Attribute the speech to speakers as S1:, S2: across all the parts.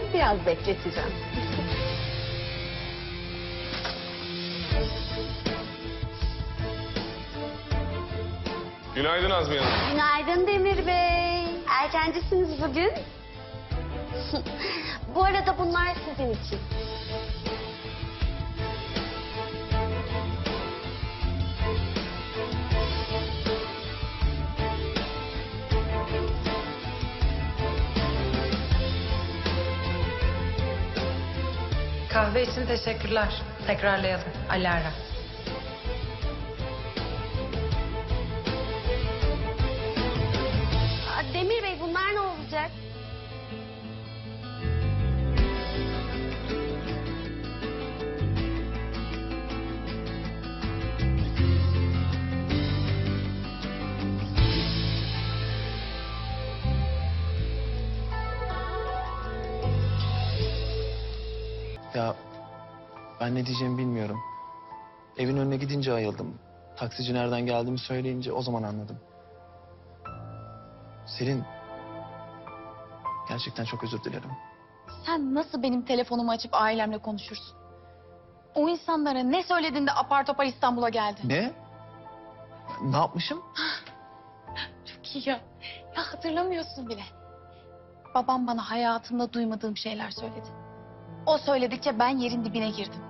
S1: Biraz bekleteceğim.
S2: Günaydın Azmiye Hanım.
S1: Günaydın Demir Bey. Erkencisiniz bugün. Bu arada bunlar sizin için.
S3: Kahve için teşekkürler. Tekrarlayalım. Alara.
S1: Demir Bey bunlar ne olacak?
S4: Ya ben ne diyeceğimi bilmiyorum. Evin önüne gidince ayıldım. Taksici nereden geldiğimi söyleyince o zaman anladım. Selin, gerçekten çok özür dilerim.
S5: Sen nasıl benim telefonumu açıp ailemle konuşursun? O insanlara ne söylediğinde apar topar İstanbul'a geldin?
S4: Ne? Ne yapmışım?
S5: Çok iyi ya. Ya hatırlamıyorsun bile. Babam bana hayatımda duymadığım şeyler söyledi. O söyledikçe ben yerin dibine girdim.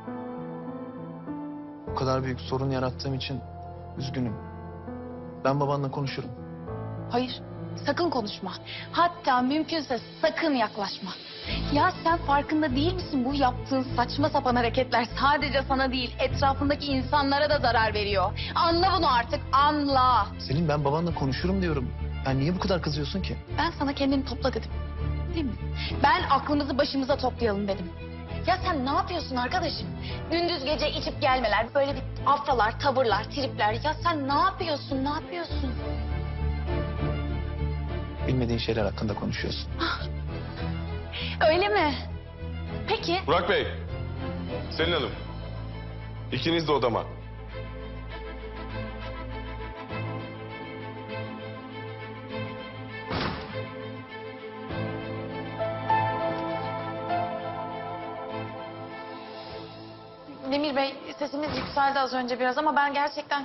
S4: Bu kadar büyük sorun yarattığım için üzgünüm. Ben babanla konuşurum.
S5: Hayır, sakın konuşma. Hatta mümkünse sakın yaklaşma. Ya sen farkında değil misin bu yaptığın saçma sapan hareketler sadece sana değil etrafındaki insanlara da zarar veriyor. Anla bunu artık, anla.
S4: Selin, ben babanla konuşurum diyorum. Ya niye bu kadar kızıyorsun ki?
S5: Ben sana kendini topla dedim. Değil mi? Ben aklımızı başımıza toplayalım dedim. Ya sen ne yapıyorsun arkadaşım? Gündüz gece içip gelmeler, böyle bir afralar, tavırlar, tripler. Ya sen ne yapıyorsun, ne yapıyorsun?
S4: Bilmediğin şeyler hakkında konuşuyorsun.
S5: Öyle mi? Peki.
S2: Burak Bey, Selin Hanım. İkiniz de odama.
S5: Demir Bey, sesimiz yükseldi az önce biraz ama ben gerçekten...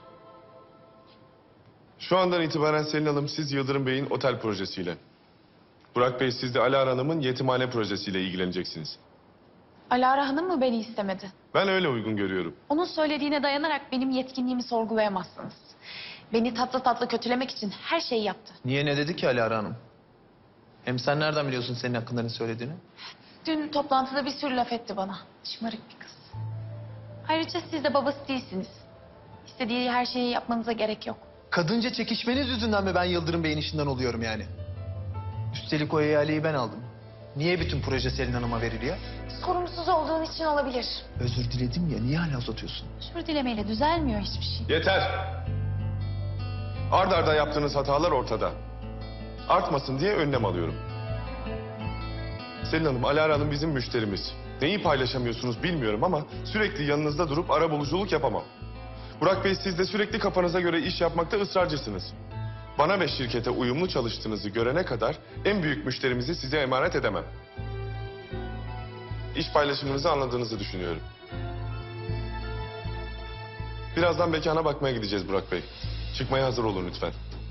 S2: Şu andan itibaren Selin Hanım siz Yıldırım Bey'in otel projesiyle. Burak Bey siz de Alara Hanım'ın yetimhane projesiyle ilgileneceksiniz.
S5: Alara Hanım mı beni istemedi?
S2: Ben öyle uygun görüyorum.
S5: Onun söylediğine dayanarak benim yetkinliğimi sorgulayamazsınız. Beni tatlı tatlı kötülemek için her şeyi yaptı.
S4: Niye, ne dedi ki Alara Hanım? Hem sen nereden biliyorsun senin hakkında ne söylediğini?
S5: Dün toplantıda bir sürü laf etti bana. Şımarık bir kız. Ayrıca siz de babası değilsiniz. İstediği her şeyi yapmanıza gerek yok.
S4: Kadınca çekişmeniz yüzünden mi ben Yıldırım Bey'in işinden oluyorum yani? Üstelik o ihaleyi ben aldım. Niye bütün proje Selin Hanım'a veriliyor?
S5: Sorumsuz olduğun için olabilir.
S4: Özür diledim ya, niye hala uzatıyorsun?
S5: Özür dilemeyle düzelmiyor hiçbir şey.
S2: Yeter! Ard arda yaptığınız hatalar ortada. Artmasın diye önlem alıyorum. Selin Hanım, Alara Hanım bizim müşterimiz. Neyi paylaşamıyorsunuz bilmiyorum ama sürekli yanınızda durup arabuluculuk yapamam. Burak Bey siz de sürekli kafanıza göre iş yapmakta ısrarcısınız. Bana ve şirkete uyumlu çalıştığınızı görene kadar en büyük müşterimizi size emanet edemem. İş paylaşımınızı anladığınızı düşünüyorum. Birazdan mekana bakmaya gideceğiz Burak Bey. Çıkmaya hazır olun lütfen.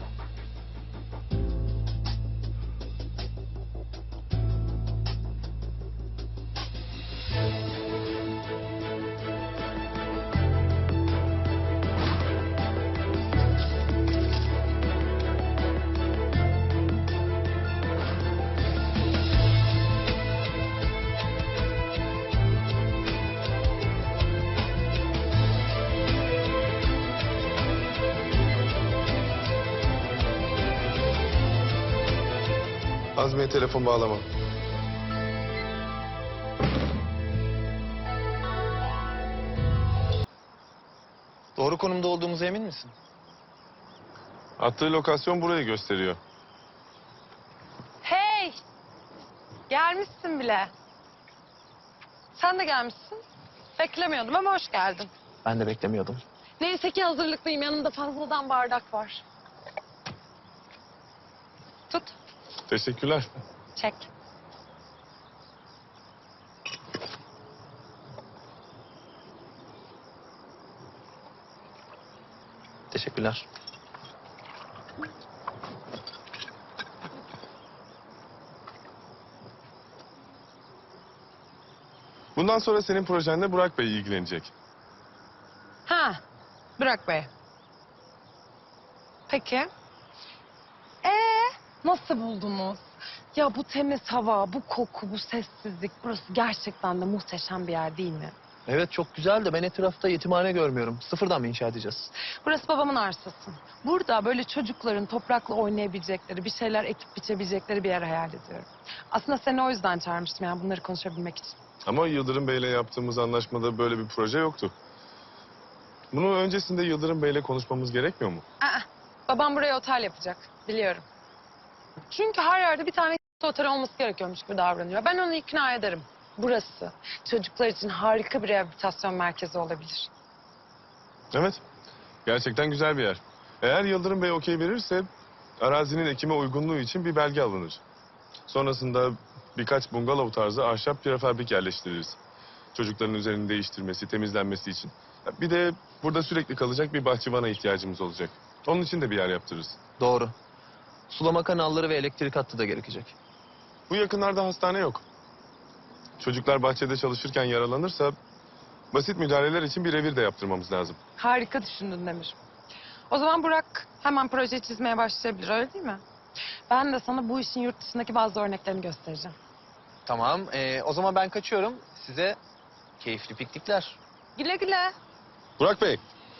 S2: Azmiye telefon bağlama.
S4: Doğru konumda olduğumuza emin misin?
S2: Attığı lokasyon burayı gösteriyor.
S3: Hey! Gelmişsin bile. Sen de gelmişsin. Beklemiyordum ama hoş geldin.
S4: Ben de beklemiyordum.
S3: Neyse ki hazırlıklıyım. Yanımda fazladan bardak var. Tut.
S2: Teşekkürler.
S3: Çek.
S4: Teşekkürler.
S2: Bundan sonra senin projenle Burak Bey ilgilenecek.
S3: Ha, Burak Bey. Peki. Nasıl buldunuz? Ya bu temiz hava, bu koku, bu sessizlik, burası gerçekten de muhteşem bir yer değil mi?
S4: Evet çok güzel de ben etrafta yetimhane görmüyorum. Sıfırdan mı inşa edeceğiz?
S3: Burası babamın arsası. Burada böyle çocukların toprakla oynayabilecekleri, bir şeyler ekip biçebilecekleri bir yer hayal ediyorum. Aslında seni o yüzden çağırmıştım yani bunları konuşabilmek için.
S2: Ama Yıldırım Bey'le yaptığımız anlaşmada böyle bir proje yoktu. Bunu öncesinde Yıldırım Bey'le konuşmamız gerekmiyor mu?
S3: Babam buraya otel yapacak, biliyorum. Çünkü her yerde bir tane otel olması gerekiyormuş gibi davranıyor. Ben onu ikna ederim. Burası çocuklar için harika bir rehabilitasyon merkezi olabilir.
S2: Evet. Gerçekten güzel bir yer. Eğer Yıldırım Bey okey verirse arazinin ekime uygunluğu için bir belge alınır. Sonrasında birkaç bungalov tarzı ahşap prefabrik yerleştiririz. Çocukların üzerini değiştirmesi, temizlenmesi için. Bir de burada sürekli kalacak bir bahçıvana ihtiyacımız olacak. Onun için de bir yer yaptırırız.
S4: Doğru. Sulama kanalları ve elektrik hattı da gerekecek.
S2: Bu yakınlarda hastane yok. Çocuklar bahçede çalışırken yaralanırsa basit müdahaleler için bir revir de yaptırmamız lazım.
S3: Harika düşündün Demir. O zaman Burak hemen projeyi çizmeye başlayabilir, öyle değil mi? Ben de sana bu işin yurt dışındaki bazı örneklerini göstereceğim.
S4: Tamam. O zaman ben kaçıyorum. Size keyifli piknikler.
S3: Güle güle.
S2: Burak Bey.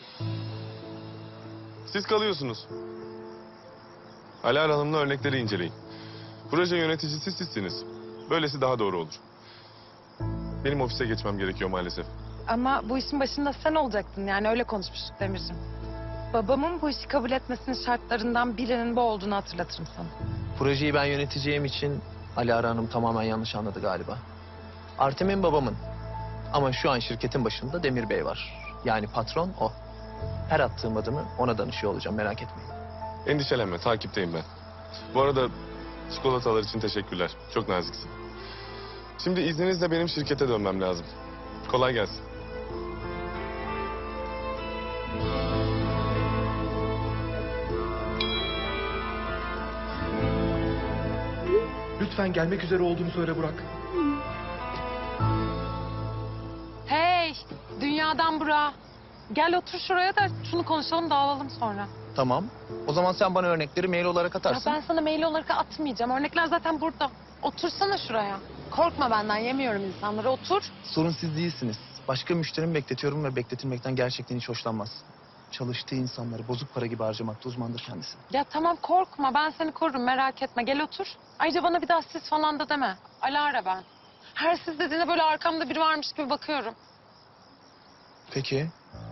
S2: Siz kalıyorsunuz. Alar Hanım'la örnekleri inceleyin. Proje yöneticisi sizsiniz. Böylesi daha doğru olur. Benim ofise geçmem gerekiyor maalesef.
S3: Ama bu işin başında sen olacaktın yani öyle konuşmuştuk Demirciğim. Babamın bu işi kabul etmesinin şartlarından birinin bu olduğunu hatırlatırım sana.
S4: Projeyi ben yöneteceğim için Alara Hanım tamamen yanlış anladı galiba. Artem'in babamın. Ama şu an şirketin başında Demir Bey var. Yani patron o. Her attığım adımı ona danışıyor olacağım, merak etmeyin.
S2: Endişelenme, takipteyim ben. Bu arada çikolatalar için teşekkürler. Çok naziksin. Şimdi izninizle benim şirkete dönmem lazım. Kolay gelsin.
S6: Lütfen gelmek üzere olduğunu söyle Burak.
S3: Hey, dünyadan Burak. Gel otur şuraya da şunu konuşalım dağılalım sonra.
S4: Tamam. O zaman sen bana örnekleri mail olarak
S3: Ya
S4: atarsın.
S3: ben sana mail olarak atmayacağım. Örnekler zaten burada. Otursana şuraya. Korkma benden, yemiyorum insanları. Otur.
S4: Sorun siz değilsiniz. Başka müşterimi bekletiyorum ve bekletilmekten gerçekten hiç hoşlanmaz. Çalıştığı insanları bozuk para gibi harcamakta uzmandır kendisi.
S3: Ya tamam korkma, ben seni korurum, merak etme. Gel otur. Ayrıca bana bir daha siz falan da deme. Alara ben. Her siz dediğine böyle arkamda biri varmış gibi bakıyorum.
S4: Peki.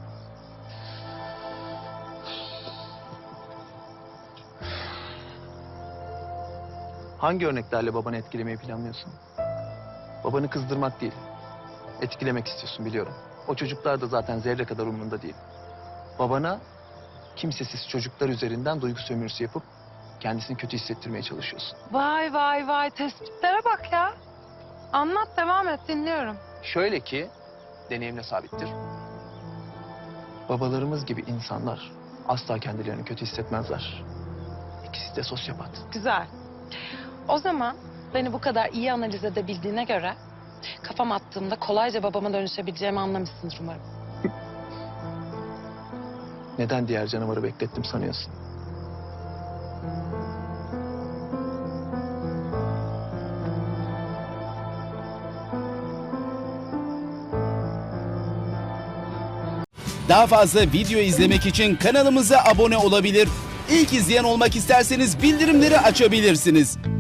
S4: Hangi örneklerle babanı etkilemeyi planlıyorsun? Babanı kızdırmak değil, etkilemek istiyorsun biliyorum. O çocuklar da zaten zerre kadar umurunda değil. Babana kimsesiz çocuklar üzerinden duygu sömürüsü yapıp kendisini kötü hissettirmeye çalışıyorsun.
S3: Vay vay vay, tespitlere bak ya. Anlat, devam et, dinliyorum.
S4: Şöyle ki, deneyimle sabittir. Babalarımız gibi insanlar asla kendilerini kötü hissetmezler. İkisi de sosyopat.
S3: Güzel. O zaman beni bu kadar iyi analiz edebildiğine göre kafam attığımda kolayca babama dönüşebileceğimi anlamışsındır umarım.
S4: Neden diğer canavarı beklettim sanıyorsun?
S7: Daha fazla video izlemek için kanalımıza abone olabilir. İlk izleyen olmak isterseniz bildirimleri açabilirsiniz.